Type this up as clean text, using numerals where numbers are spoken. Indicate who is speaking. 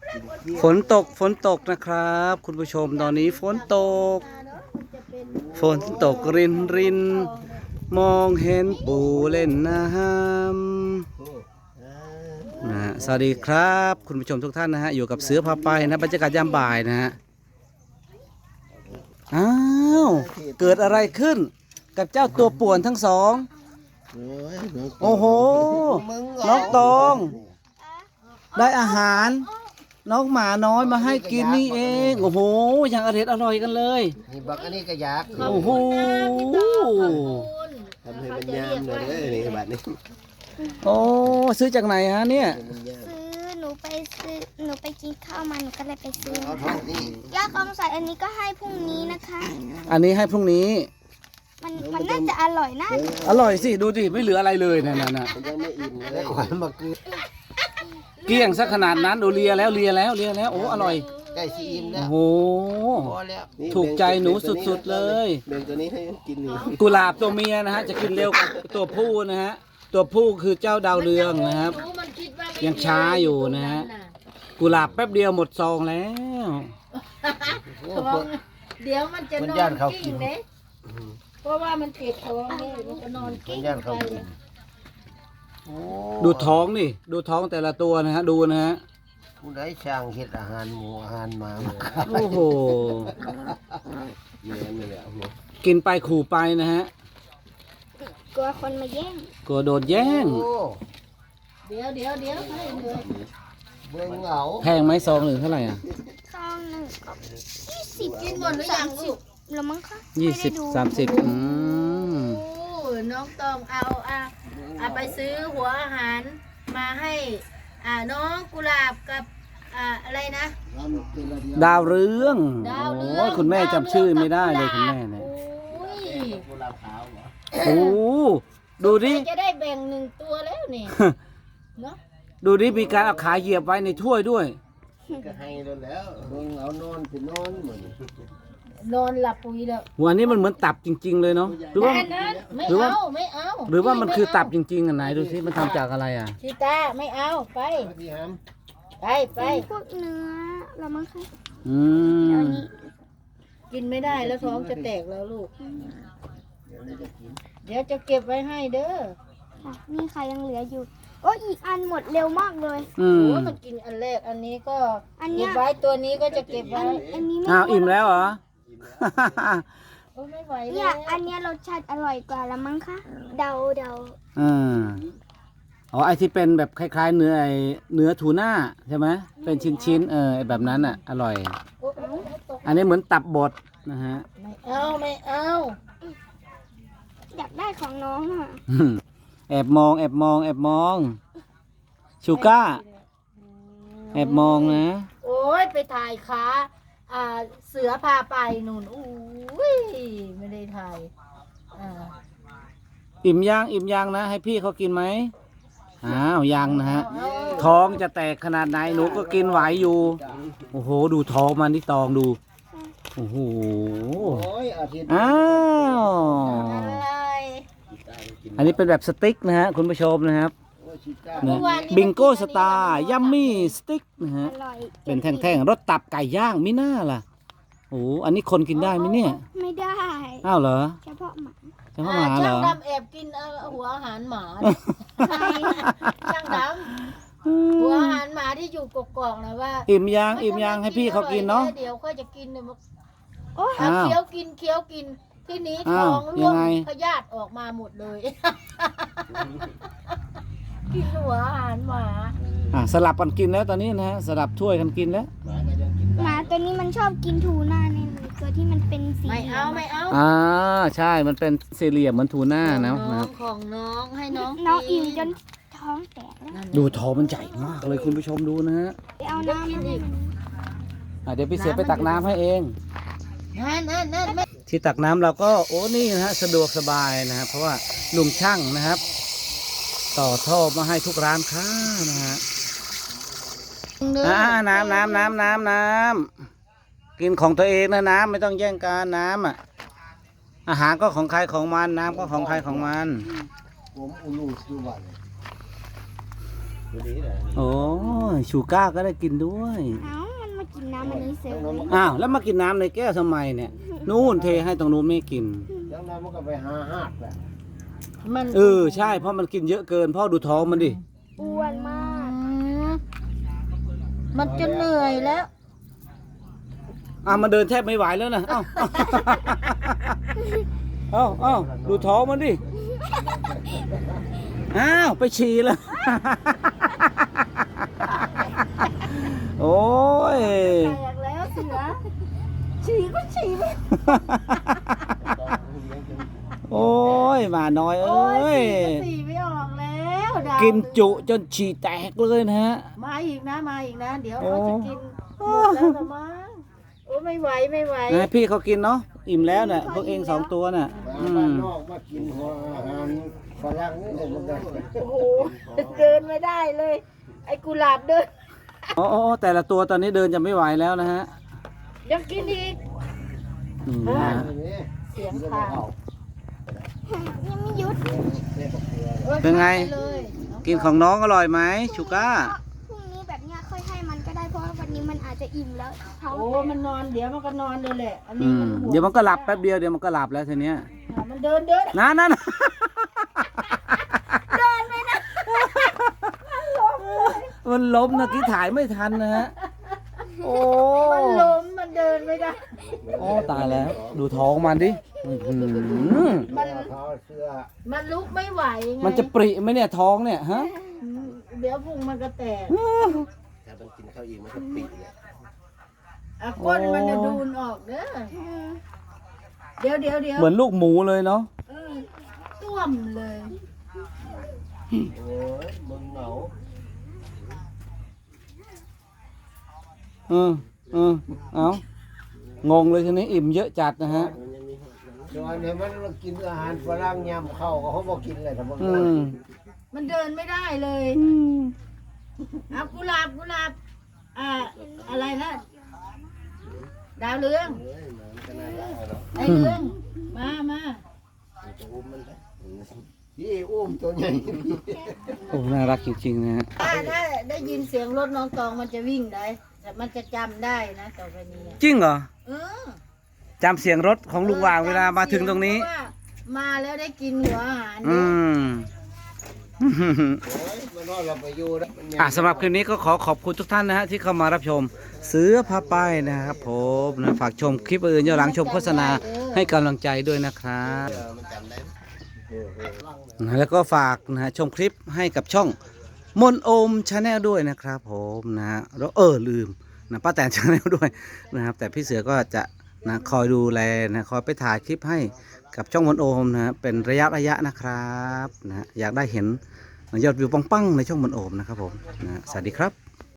Speaker 1: ฝนตกนะครับ คุณผู้ชมตอนนี้ฝนตกรินรินมองเห็นปู่เล่นน้ำนะสวัสดีครับ คุณผู้ชมทุกท่านนะฮะอยู่กับเสือพาไปนะบรรยากาศยามบ่ายนะฮะอ้าวเกิดอะไรขึ้นกับเจ้าตัวป่วนทั้งสองโอ้โหน้องตองได้อาหารน้องหมาน้อยมาให้กินนี่เองโอ้โหอย่างอร่อยกันเลย
Speaker 2: นี่บักอันนี้ก็อยาก
Speaker 1: โอ้โห
Speaker 2: ทำให้มันยามเลยนี่บัดนี้
Speaker 1: โอ้ซื้อจากไหนฮะเนี่ย
Speaker 3: ซื้อหนูไปกินข้าวมาหนูก็เลยไปซื้อ
Speaker 2: ย่
Speaker 3: าคำใส่อันนี้ก็ให้พรุ่งนี้นะคะ
Speaker 1: อันนี้ให้พรุ่งนี้
Speaker 3: มันน่าจะอร่อยนะ
Speaker 1: อร่อยสิดูดิไม่เหลืออะไรเลยนั่น
Speaker 2: ยังไม่อิ่มเลยขวัญมา
Speaker 1: เกลี้ยงซะขนาดนั้นดูเลียแล้วโอ้อร่อย
Speaker 2: ใกล้ซีอิ่มแล้ว
Speaker 1: โอ้โหถูกใจหนูสุดๆเลย
Speaker 2: เบ่งตัวนี้ให้กินนี่
Speaker 1: กุหลาบตัวเมียนะฮะจะกินเร็วกว่าตัวผู้นะฮะตัวผู้คือเจ้าดาวเรืองนะครับยังช้าอยู่นะฮะกุหลาบแป๊บเดียวหมดซองแล้ว
Speaker 4: เดี๋ยวมันจะนอนกิ้งเลยเพราะว่ามันเก็บท้องนี่มันจะนอนกิ้งไป
Speaker 1: ดูท้องนี่ดูท้องแต่ละตัวนะฮะดูนะฮะ
Speaker 2: ผู้ใดช่างเฮ็ดอาหารหมูอาหารหมา
Speaker 1: โอ้โห
Speaker 2: เนี่ย
Speaker 1: กินไปขู่ไปนะฮะ
Speaker 3: กลัวคนมาแย่ง
Speaker 1: กลัวโดนแย่ง
Speaker 4: เดี๋ยวให้เลย
Speaker 2: เบิ่งเหงา
Speaker 1: แพงไหมซองหนึ่งเท่าไหร่อ่ะ
Speaker 3: ซองหนึ่งก็20
Speaker 4: กินหมดหรือยังลูก
Speaker 3: แล้วมั้งคะ
Speaker 1: 20-30
Speaker 4: น้องตองเอาไปซื้อหัวอาหารมาให้น้องกุหลาบกับอะไรนะ
Speaker 1: ดาวเรืองโอ้ยคุณแม่จำชื่อไม่ได้เลยคุณแม่เนี่ยโอ้ดูดิ
Speaker 4: จะได้แบ่ง1ตัวแล้วนี่เนาะ
Speaker 1: ดูดิมีการเอาขาเหยียบไว้ในถ้วยด้วย
Speaker 2: ก็ให้แล้วเบิ่งเอานอนนอนเหมือน
Speaker 4: นอนหลับปุ๋ยแล้ว
Speaker 1: วันนี้มันเหมือนตับจริงๆเลยเนาะหรือว่า
Speaker 4: ไม่เอา
Speaker 1: หรือว่ามันคือตับจริงๆอ่ะไหนดูสิมันทำจากอะไรอ่ะ
Speaker 4: ชิตาไม่เอาไป
Speaker 3: พวกเนื้อแล้วมั้งคะ
Speaker 4: กินไม่ได้แล้วท้องจะแตกแล้วลูกเดี๋ยวจะเก็บไว้ให้เด้อ
Speaker 3: นี่ค่ะยังเหลืออยู่โอ้อีกอันหมดเร็วมากเลย
Speaker 4: โอ้มันกินอันแรกอันนี้ก็เก็บไว้ตัวนี้ก็จะเก็บไว้
Speaker 3: อันนี้
Speaker 1: อ้าวอิ่มแล้วเหรอ
Speaker 4: ไม่ไหว
Speaker 3: เนี่ยอันนี้รสชาติอร่อยกว่าแล้วมั้งคะเดา
Speaker 1: อ๋อไอที่เป็นแบบคล้ายๆเนื้อทูน่าใช่ไหมเป็นชิ้นแบบนั้นอ่ะอร่อยอันนี้เหมือนตับบดนะฮะ
Speaker 4: ไม่เอา
Speaker 3: อยากได้ของน้องอ่ะ
Speaker 1: แอบมองชูก้าแอบมองนะ
Speaker 4: โอ้ยไปถ่ายขาเสือพาไปนู่นอุ้ยไม่ได้ถ่าย
Speaker 1: อิ่มย่างนะให้พี่เขากินไหมอ้าวยังนะฮะท้องจะแตกขนาดไหนหนูก็กินไหวอยู่โอ้โหดูท้องมันที่ตองดูโอ้โหอ้าวอันนี้เป็นแบบสติ๊กนะฮะคุณผู้ชมนะครับบิงโก้สตาร์ยัมมี่สติ๊กนะฮะเป็นแท่งๆรสตับไก่ย่างมิน่าล่ะโอ้อันนี้คนกินได้ไหมเนี่ย
Speaker 3: ไม่ได้
Speaker 1: อ้าวเหรอ
Speaker 3: เฉพาะหมา
Speaker 1: เหรอ
Speaker 4: ช่างดำแอบกินหัวอาหารหมาช่างดำหัวอาหารหมาที่อยู่กกอกนะว่า
Speaker 1: อิ่มยังให้พี่เขากินเนาะ
Speaker 4: เดี๋ยวค่อยจะกินเนี่ยเคี้ยวกินที่นี้ท้องร่วงพยาธิออกมาหมดเลยกินหัวอาหารหมา
Speaker 1: สลับกันกินแล้วตอนนี้นะฮะสลับถ้วยกันกินแล้ว
Speaker 3: หมาตัวนี้มันชอบกินทูน่าเนี่ยตัวที่มันเป็นสี
Speaker 4: ไม่เอา
Speaker 1: ใช่มันเป็นสี่เหลี่ยมเหมือนทูน่านะ
Speaker 4: ของน้องให้น้อง
Speaker 3: อิ่มจนท้องแตก
Speaker 1: ดูท้องมันใหญ่มากเลยคุณผู้ชมดูนะฮะ
Speaker 3: ไปเอาน้ำอีก
Speaker 1: เดี๋ยวพี่เสียไปตักน้ำให้เอง
Speaker 4: นั่น
Speaker 1: ที่ตักน้ำเราก็โอ้นี่นะฮะสะดวกสบายนะครับเพราะว่าลุงช่างนะครับต่อท่อมาให้ทุกร้านค้านะฮะน้ำกินของตัวเองนะน้ำไม่ต้องแย่งกันน้ำอาหารก็ของใครของมันน้ำก็ของใครของมัน
Speaker 2: ตัวนี้แหละ
Speaker 1: โอ้ยชูก้าก็ได้กินด้วย
Speaker 3: เอ้ามันมากินน้ำมันนี้เสร็จเลย
Speaker 1: อ้าวแล้วมากินน้ำในแก้วทำไมเนี่ยนู่นเทให้ตรงนู้นไม่กิน
Speaker 2: ยังนั้นมันก็ไปหาหาดแหละ
Speaker 4: มัน
Speaker 1: ใช่เพราะมันกินเยอะเกินพ่อดูท้องมันดิ
Speaker 3: อ้วนมาก
Speaker 4: มันจะเหนื่อยแล้ว
Speaker 1: มันเดินแทบไม่ไหวแล้วนะเอ้าดูท้องมันดิอ้าวไปฉี่แล้วโอ้ย
Speaker 4: แตกแล้วเสือฉี่ก็ฉี่ไม่
Speaker 1: โอ้ยหมาน้อยเอ้
Speaker 4: โอ้ย
Speaker 1: ย
Speaker 4: ฉี่ไม่ออกแล้วดาว
Speaker 1: กินจุจนฉี่แตกเลยนะฮะ
Speaker 4: มาอีกนะมาอีกนะ เดี๋ยว
Speaker 1: โอ้
Speaker 4: เขาจะกินหมดแล้วละมั้งโอ้ไม่ไหวไม่ไหว
Speaker 1: นะพี่เขากินเนาะอิ่มแล้วเนี่ยพวกเอง2 ตัวน่ะ
Speaker 2: มาบ้านนอกมากินหัวอาหารฝรั่งนี่เลยมันได้
Speaker 4: โอ้โหเดินไม่ได้เลย ไอ้กุหลาบเดิน
Speaker 1: อ๋อแต่ละตัวตอนนี้เดินจะไม่ไหวแล้วนะฮะ
Speaker 4: ยังกินอีก
Speaker 1: นี่นะฮะ
Speaker 4: เสียงคาง
Speaker 3: ยังไม่หยุด
Speaker 1: เป็นไง
Speaker 4: ปเลย
Speaker 1: กินของน้องอร่อยไหมชูก้า
Speaker 3: พรุ่งนี้แบบเนี้ยค่อยให้มันก็ได้เพราะว่าวันนี้มันอาจจะอิ่มแล้วท้อง
Speaker 4: โอ้มันนอนเดี๋ยวมันก็นอนเลยแหละ อัน
Speaker 1: อื
Speaker 4: นี้
Speaker 1: ม
Speaker 4: มันห่วง
Speaker 1: เดี๋ยวมันก็หลับแป๊บเดียวเดี๋ยวมันก็หลับแล้วทีเนี้ย
Speaker 4: มันเดินเดิน
Speaker 1: นั่น
Speaker 4: เดินไม่ได้
Speaker 1: มันล้มนะกี้ถ่ายไม่ทันนะฮะโอ้
Speaker 4: มันล้มมันเดินไม่ได้
Speaker 1: โอ้ตายแล้ว ดูท้องมันดิอื้อหือ
Speaker 4: มัน
Speaker 2: เท้าเสื้อ
Speaker 4: มันลุกไม่ไหวไง
Speaker 1: มันจะปริไหมเนี่ยท้องเนี่ยฮะ
Speaker 4: เดี๋ยวพุงมันก็แตก
Speaker 2: ถ้ามันกินข้าวอีกมันก็ปิดเลย
Speaker 4: อ่ะก้นมันจะดูนออกเด้อเดี๋ยว
Speaker 1: เหมือนลูกหมูเลยเนาะ
Speaker 4: ต้วมเลย
Speaker 2: โอ้ยมึงเหงา
Speaker 1: เอางงเลยทีนี้อิ่มเยอะจัดนะฮะ
Speaker 2: ส่วนเนี่ยมันกินอาหารฝรั่งยำเข้าก็เขาบอกกินเลยแต่มัน
Speaker 1: อืม
Speaker 4: มันเดินไม่ได้เลยเอากุหลาบอะไรนะดาวเรือง
Speaker 2: มันก็น่ารักเนาะ
Speaker 4: ไอ้เรืองมา
Speaker 2: จะอุ้มมันได้พี่อุ้มตัวใหญ่
Speaker 1: โอ้น่ารักจริงๆนะฮะ
Speaker 4: ถ้าได้ยินเสียงรถน้องตองมันจะวิ่งได้แต่มันจะจำได้นะต่อไปนี้
Speaker 1: จริงเหรอ
Speaker 4: เออ
Speaker 1: จำเสียงรถของลุงวางเวลามาถึงตรงนี้
Speaker 4: เพาะว่ามาแล้วได้กินหัวอาหาร
Speaker 1: อืม
Speaker 2: โอ้ยมันนอนเราไปอยู่แล้วมัน
Speaker 1: สำหรับคลิปนี้ก็ขอขอบคุณทุกท่านนะฮะที่เข้ามารับชมเสือพาป้ายนะครับผมนะฝากชมคลิปอื่นย้อนหลังชมโฆษณาให้กำลังใจด้วยนะครับ
Speaker 2: มันจำได้
Speaker 1: นะแล้วก็ฝากนะฮะชมคลิปให้กับช่องมนโอมชาแนลด้วยนะครับผมนะฮะแล้วลืมนะป้าแตนชาแนลด้วยนะครับแต่พี่เสือก็จะนะคอยดูแลนะคอยไปถ่ายคลิปให้กับช่องมนโอมนะฮะเป็นระยะนะครับนะฮะอยากได้เห็นยอดวิวปังๆในช่องมนโอมนะครับผมนะสวัสดีครับ